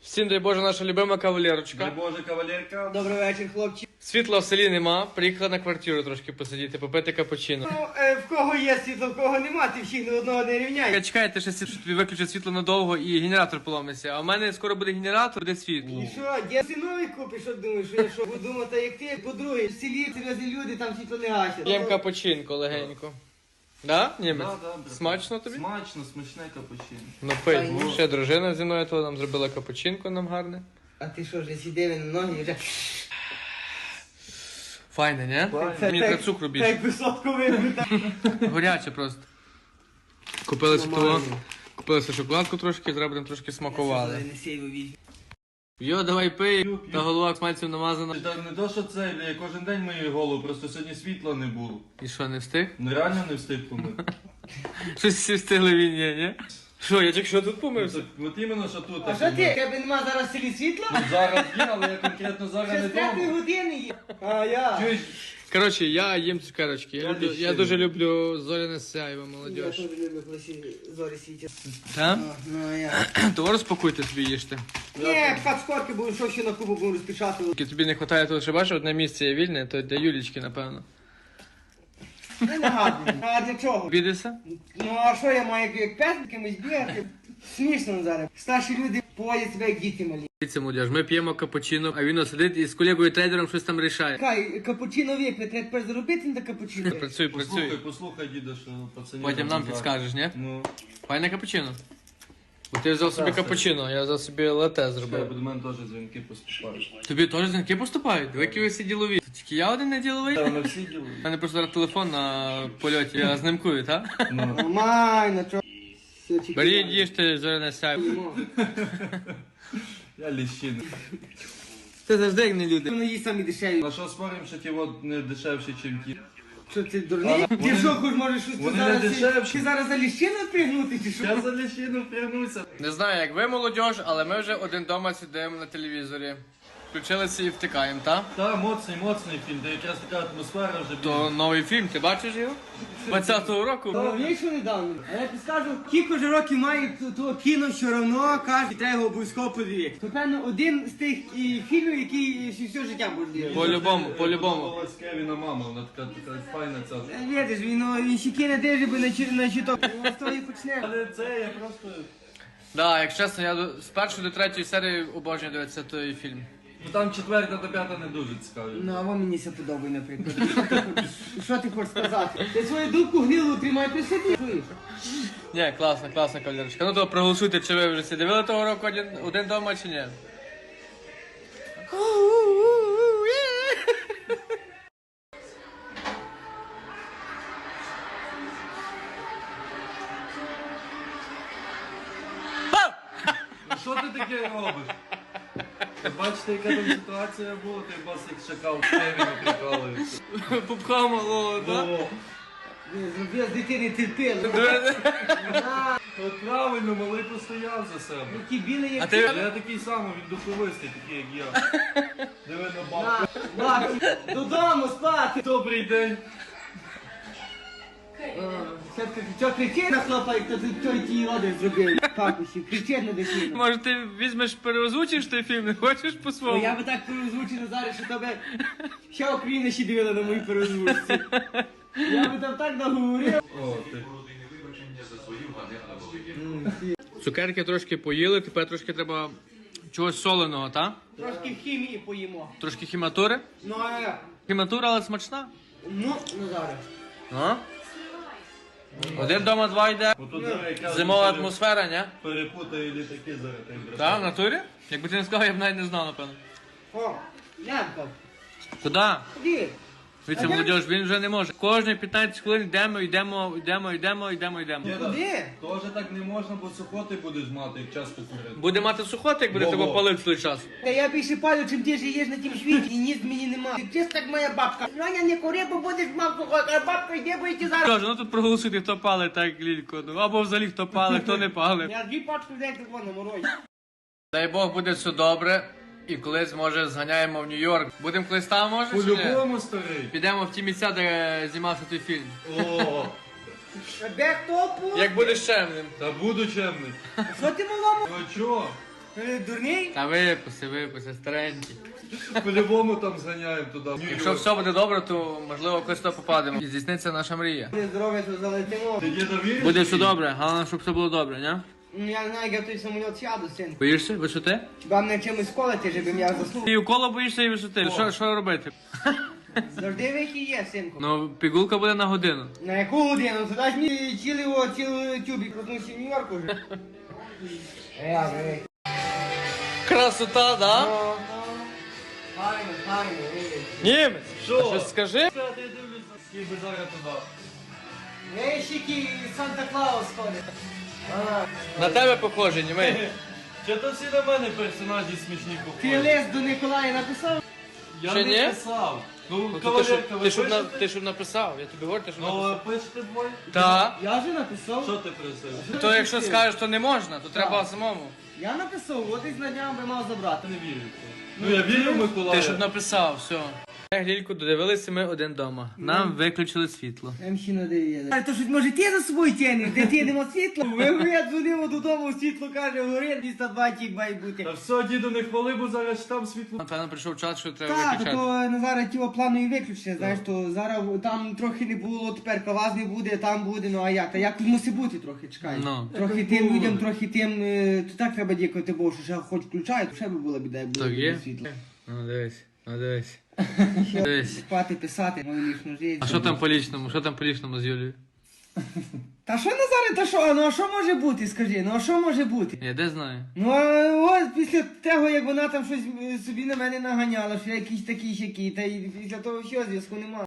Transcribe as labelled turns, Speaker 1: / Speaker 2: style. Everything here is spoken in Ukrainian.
Speaker 1: Всім дай Боже, наша любима кавалерочка.
Speaker 2: Дай Боже, кавалерка.
Speaker 3: Добрий вечір, хлопці.
Speaker 1: Світла в селі нема, приїхала на квартиру трошки посидіти, попити капучино.
Speaker 3: Ну, в кого є світло, в кого нема, ти всіх до одного не рівняй.
Speaker 1: Чекайте, що тобі виключить світло надовго і генератор поломиться. А в мене скоро буде генератор, буде світло.
Speaker 3: І що, де ти новий купиш, що думаєш, що я що буду думати, як ти, по-друге, в селі серйозні люди, там світло не гасять.
Speaker 1: П'ємо капучинко легенько. Да, німець?
Speaker 2: Да,
Speaker 1: Смачно тобі?
Speaker 2: Смачно, смачне капучино.
Speaker 1: Ну пий. Ще дружина зі мною то нам зробила капучинко нам гарне.
Speaker 3: А ти що, вже сидів на ноги і вже...
Speaker 1: Файне, не?
Speaker 2: Файне.
Speaker 1: Мені треба цукру більше.
Speaker 3: Так висотку вибити.
Speaker 1: Горяче просто. Купили світло, купилися шоколадку трошки, зараз будемо трошки смакували.
Speaker 3: Не сейву візьмі.
Speaker 1: Йо, давай пий, та голова смальцем намазана.
Speaker 2: Та не то, що це, я кожен день мию голову, просто сьогодні світла не було.
Speaker 1: І що, не встиг?
Speaker 2: Ну реально не встиг помити.
Speaker 1: Щось всі встигли війні, ні? Що, я тільки що тут помився?
Speaker 2: От іменно, що тут.
Speaker 3: А
Speaker 2: так
Speaker 3: що ти,
Speaker 2: помив.
Speaker 3: тебе нема зараз в селі світла?
Speaker 2: Ну зараз є, але я конкретно зараз
Speaker 3: Ще
Speaker 2: не
Speaker 3: з 5
Speaker 2: вдома.
Speaker 3: години є. А я.
Speaker 2: Чуєш?
Speaker 1: Коротше, я їм цукерочки.
Speaker 2: Я
Speaker 1: Я
Speaker 2: ще
Speaker 1: дуже
Speaker 2: не.
Speaker 1: люблю зоряне сяйво,
Speaker 3: Я
Speaker 1: молодіж.
Speaker 3: теж люблю, коли зорі світять.
Speaker 1: Так?
Speaker 3: Ну, а я.
Speaker 1: То розпакуйте собі їжте.
Speaker 3: Ні, пхат скорки, бо що ще на кубу будемо розпечатувати.
Speaker 1: Тільки тобі не вистачає того, що бачиш, одне місце є вільне, то для Юлічки, напевно.
Speaker 3: Не нагадую. А для чого?
Speaker 1: Обідешся?
Speaker 3: Ну а що я маю як пес кимось бігати? Смішно зараз. Старші люди поводять себе як діти малі.
Speaker 1: Дивіться, молодіж, ми п'ємо капучино, а він сидить і з колегою трейдером щось там рішає.
Speaker 3: Хай, капучино вип'є, треба тепер заробити на капучино.
Speaker 1: Працюй,
Speaker 2: Послухай,
Speaker 1: працюй.
Speaker 2: послухай, діда, що пацанів.
Speaker 1: Потім нам підскажеш, ні?
Speaker 2: Ну,
Speaker 1: Файне капучино. Бо ти взяв собі
Speaker 2: Так,
Speaker 1: капучино, я взяв собі лате
Speaker 2: ще
Speaker 1: зробив.
Speaker 2: до мене теж дзвінки поступають.
Speaker 1: Тобі теж дзвінки поступають? Ви які ви всі ділові? То тільки я один не діловий?
Speaker 2: Та вони всі ділають.
Speaker 1: У мене просто зараз телефон на польоті, я знімкую, так?
Speaker 2: Ну.
Speaker 3: Нормально, чого? Все, чекай.
Speaker 1: Беріть, їжте зоряне сяйво.
Speaker 2: Я ліщина.
Speaker 1: Це завжди як не люди.
Speaker 3: Вони їсть самі дешеві.
Speaker 2: На що спорим, що ті от не дешевші, ніж ті?
Speaker 3: Що ти дурний? Ти
Speaker 2: вони-
Speaker 3: що, хоч можеш щось
Speaker 2: вони
Speaker 3: зараз...
Speaker 2: не дешевші.
Speaker 3: Ти зараз за ліщину пригнути чи що?
Speaker 2: Я за ліщину впрягнуся.
Speaker 1: Не знаю, як ви, молодіж, але ми вже один дома сидимо на телевізорі. Включилися і втикаємо, так?
Speaker 2: Та, моцний фільм, де якраз така атмосфера вже
Speaker 1: То новий фільм, ти бачиш його? 20-го року.
Speaker 3: Вийшов недавно. А я тобі скажу, кілька ж років має того кіно, все равно каже, треба його обов'язково подивитися. То, певно, один з тих фільмів, який все життя буде дивитися.
Speaker 1: По-любому, по-любому.
Speaker 2: Голос Кевіна мама, вона така файна ця.
Speaker 3: Видиш, він щеки не держи, бо на чуток. Він з того і почне.
Speaker 2: Але це я просто...
Speaker 1: Да, як чесно, я з першої до третьої серії обожнюю дивитися той фільм.
Speaker 2: Ну там 4-та до 5-та не дуже цікаві.
Speaker 3: Ну, а вам мені це подобає, наприклад. Що ти хочеш сказати? Ти свою дубку гнилу тримай при собі. Чуєш?
Speaker 1: Ні, класна кавалерочка. Ну то проголосуйте, чи ви вже всі дивили того року один дома, чи ні?
Speaker 2: Ну що ти таке робиш? Ви бачите, яка там ситуація була, той бас як шакал Кевіна прикалується.
Speaker 1: Пупка малого, так?
Speaker 2: О,
Speaker 3: Зробив з дитини терпили.
Speaker 2: от правильно, малий постояв за себе.
Speaker 3: Ті білий,
Speaker 1: А
Speaker 3: як
Speaker 1: ти...
Speaker 2: Я такий самий, він духовистий, такий як я. Диви на бабку.
Speaker 3: бабки. Додому спати.
Speaker 2: Добрий день.
Speaker 3: Що кричить на хлопа, як той ті роди зробив. Пакусі, кричить на дитину.
Speaker 1: Може ти візьмеш, переозвучиш той фільм, не хочеш
Speaker 3: О,
Speaker 1: по-своєму?
Speaker 3: я би так переозвучив зараз, що тебе вся Україна ще дивила на мої переозвучці. Я би там так наговорив.
Speaker 2: О, ти.
Speaker 1: Цукерки трошки поїли, тепер трошки треба чогось соленого, так?
Speaker 3: Трошки хімії поїмо.
Speaker 1: Трошки хіматури.
Speaker 3: Ну, а як?
Speaker 1: Хіматура, але смачна.
Speaker 3: Ну зараз.
Speaker 1: А? Один дома, два йде.
Speaker 2: Отут яка
Speaker 1: Зимова атмосфера, ні?
Speaker 2: перепутає літаки зараз. та й брат.
Speaker 1: Так, в натурі? Якби ти не сказав, я б навіть не знав, напевно.
Speaker 3: О, Янко,
Speaker 1: Куди?
Speaker 3: іди.
Speaker 1: Дивіться, молодіж, він вже не може. Кожні 15 хвилин йдемо.
Speaker 2: Діда,
Speaker 3: Куди?
Speaker 2: Теж так не можна, бо сухоти будеш мати, як часто курити.
Speaker 1: Буде мати сухоти, як буде тебе
Speaker 2: Во-во.
Speaker 1: палити той час.
Speaker 3: Та я більше палю, чим ти живеш на тім світі, і ніс мені нема. Ти чесно, так моя бабка. Раня, не кури, бо будеш мав сухой, а бабка йде, бо йти зараз.
Speaker 1: Кажу, ну тут проголосуйте, хто палить так лілько. Ну, або взагалі хто палить, хто не палить.
Speaker 3: Я 2 пачки взяти тако на морозі.
Speaker 1: Дай Бог, буде все добре. І колись, може, зганяємо в Нью-Йорк. Будемо колись там, може, чи ні?
Speaker 2: По-любому, старий.
Speaker 1: Підемо в ті місця, де знімався той фільм.
Speaker 2: О,
Speaker 3: Де хто пу?
Speaker 1: Як будеш чемним.
Speaker 2: та буду чемний.
Speaker 3: Що ти малому?
Speaker 2: Ну чо?
Speaker 3: Дурний?
Speaker 1: Та виписи, старенький.
Speaker 2: По-любому там зганяємо туди.
Speaker 1: Якщо все буде добре, то можливо якось то попадемо. І здійсниться наша мрія.
Speaker 3: Буде здоров'я, то залетимо.
Speaker 2: Ти є довіриш?
Speaker 1: Буде все добре, головне, щоб все було добре, не?
Speaker 3: Ну я не знаю, як я в той самоліт сяду, син.
Speaker 1: Боїшся висоти?
Speaker 3: Хіба мене чимось колити, щоб я заснув.
Speaker 1: Ти укола боїшся і висоти. Що робити?
Speaker 3: Завжди вихід є, синку.
Speaker 1: Ну, пігулка буде на годину.
Speaker 3: На яку годину? Туди ж мені цілий тюбік проснувся в Нью-Йорку вже.
Speaker 1: Красота, да?
Speaker 3: Файно,
Speaker 1: Німець,
Speaker 2: Що?
Speaker 1: а щось скажи?
Speaker 2: Я дивлюся, скільки зараз туди.
Speaker 3: Вещики Санта-Клаус ходить.
Speaker 1: На тебе похоже, німей.
Speaker 2: Чи то всі на мене персонажі смішні
Speaker 3: Ти
Speaker 2: походять?
Speaker 3: лист до Николая написав?
Speaker 2: Я
Speaker 1: Ще
Speaker 2: не
Speaker 1: ні?
Speaker 2: писав. Ну,
Speaker 1: Ну,
Speaker 2: кавалерка, ви пишете?
Speaker 1: ти щоб написав, я тобі говорю, ти щоб
Speaker 2: Ну,
Speaker 1: написав.
Speaker 2: ви пишете двоє?
Speaker 1: Так.
Speaker 3: Я вже написав.
Speaker 2: Що ти просив?
Speaker 1: То якщо скажеш, то не можна, то треба самому.
Speaker 3: Я написав, от і знання би мав забрати.
Speaker 2: Не вірю в це. Ну, я вірю в Миколая.
Speaker 1: Ти щоб написав, все. Глільку, додивилися ми один дома. Нам виключили світло.
Speaker 3: Ще не дивіться. А то щось може ти за собою тянеш, де ти нема світла? Я дзвонив додому, світло каже, горить, 220 має бути.
Speaker 2: Та все, діду, не хвали, бо зараз там світло.
Speaker 1: Напевно, прийшов час, що треба
Speaker 3: Так,
Speaker 1: виключати.
Speaker 3: то на зараз ті планові виключення, знаєш, то зараз там трохи не було, тепер вас не буде, там буде, ну а як? Та як мусить бути трохи, чекай.
Speaker 1: Ну.
Speaker 3: Трохи тим людям, трохи тим, то так треба дякувати Богу, що ще хоч включають, ще би була біда, як було
Speaker 1: Так є?
Speaker 3: світло.
Speaker 1: Ну дивись, Дивись.
Speaker 3: Спати, писати, мою лічну життя.
Speaker 1: А що там по лічному? Що там по лічному з Юлією?
Speaker 3: Та що Назаре, та що? Ну а що може бути, скажи, ну а що може бути?
Speaker 1: Я де знаю.
Speaker 3: Ну а ось після того, як вона там щось собі на мене наганяла, що я якийсь такий сякий, та й після того всього зв'язку немає.